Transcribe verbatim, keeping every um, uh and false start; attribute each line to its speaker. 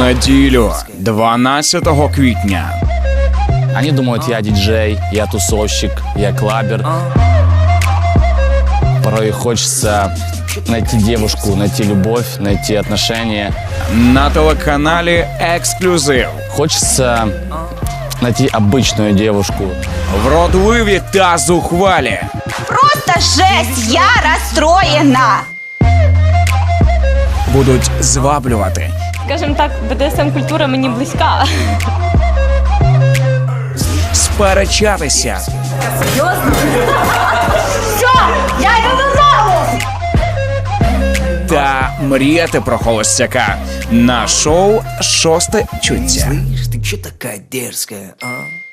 Speaker 1: неділю, дванадцятого квітня.
Speaker 2: Они думают, я диджей, я тусовщик, я клабер. Порой хочется найти девушку, найти любовь, найти отношения.
Speaker 1: На телеканалі «Ексклюзив».
Speaker 2: Хочется найти обычную девушку.
Speaker 1: Вродливі та зухвалі.
Speaker 3: Просто жесть, я расстроена.
Speaker 1: Будуть зваблювати.
Speaker 4: Скажем так, Б Д С М-культура мені близька.
Speaker 1: Сперечатися.
Speaker 3: Все, я иду додому.
Speaker 1: Та мріяти про холостяка на шоу «Шосте чуття».
Speaker 5: Ты чё такая дерзкая, а?